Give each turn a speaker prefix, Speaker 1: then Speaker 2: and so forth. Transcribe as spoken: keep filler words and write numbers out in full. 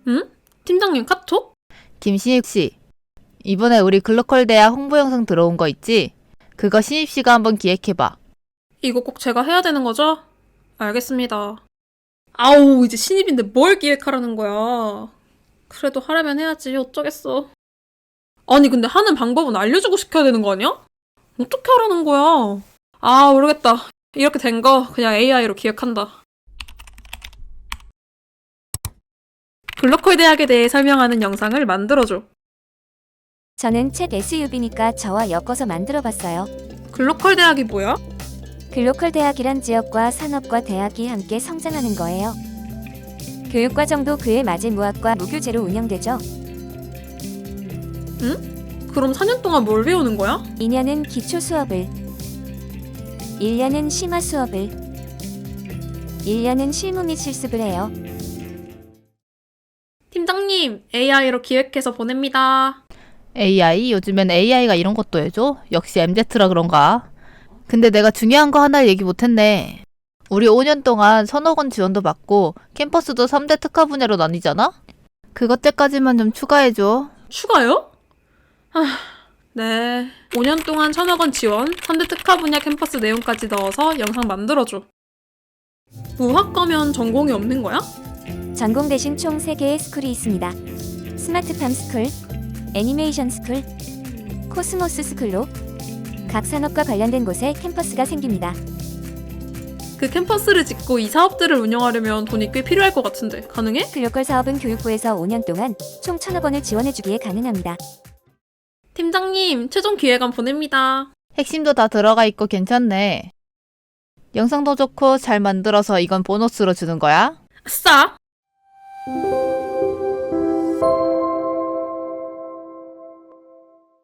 Speaker 1: 응? 팀장님 카톡?
Speaker 2: 김신익 씨, 이번에 우리 글로컬 대학 홍보 영상 들어온 거 있지? 그거 신입 씨가 한번 기획해봐.
Speaker 1: 이거 꼭 제가 해야 되는 거죠? 알겠습니다. 아우, 이제 신입인데 뭘 기획하라는 거야. 그래도 하려면 해야지, 어쩌겠어. 아니, 근데 하는 방법은 알려주고 시켜야 되는 거 아니야? 어떻게 하라는 거야? 아, 모르겠다. 이렇게 된 거 그냥 에이아이로 기획한다. 글로컬 대학에 대해 설명하는 영상을 만들어줘.
Speaker 3: 저는 챗 에스유비니까 저와 엮어서 만들어봤어요.
Speaker 1: 글로컬 대학이 뭐야?
Speaker 3: 글로컬 대학이란 지역과 산업과 대학이 함께 성장하는 거예요. 교육과정도 그에 맞은 무학과 무교재로 운영되죠.
Speaker 1: 그럼 사 년 동안 뭘 배우는 거야?
Speaker 3: 이 년은 기초 수업을, 일 년은 심화 수업을, 일 년은 실무 및 실습을 해요.
Speaker 1: 팀장님, 에이아이로 기획해서 보냅니다.
Speaker 2: 에이아이? 요즘엔 에이아이가 이런 것도 해줘? 역시 엠제트라 그런가? 근데 내가 중요한 거 하나 얘기 못했네. 우리 오 년 동안 서너 건 지원도 받고 캠퍼스도 삼 대 특화 분야로 나뉘잖아? 그것 때까지만 좀 추가해줘.
Speaker 1: 추가요? 아, 네. 오 년 동안 천억 원 지원, 삼 대 특화 분야 캠퍼스 내용까지 넣어서 영상 만들어줘. 무학과면 전공이 없는 거야?
Speaker 3: 전공 대신 총 세 개의 스쿨이 있습니다. 스마트팜 스쿨, 애니메이션 스쿨, 코스모스 스쿨로 각 산업과 관련된 곳에 캠퍼스가 생깁니다.
Speaker 1: 그 캠퍼스를 짓고 이 사업들을 운영하려면 돈이 꽤 필요할 것 같은데 가능해?
Speaker 3: 글로컬 사업은 교육부에서 오 년 동안 총 천억 원을 지원해주기에 가능합니다.
Speaker 1: 팀장님, 최종 기획안 보냅니다.
Speaker 2: 핵심도 다 들어가 있고 괜찮네. 영상도 좋고 잘 만들어서 이건 보너스로 주는 거야?
Speaker 1: 아싸!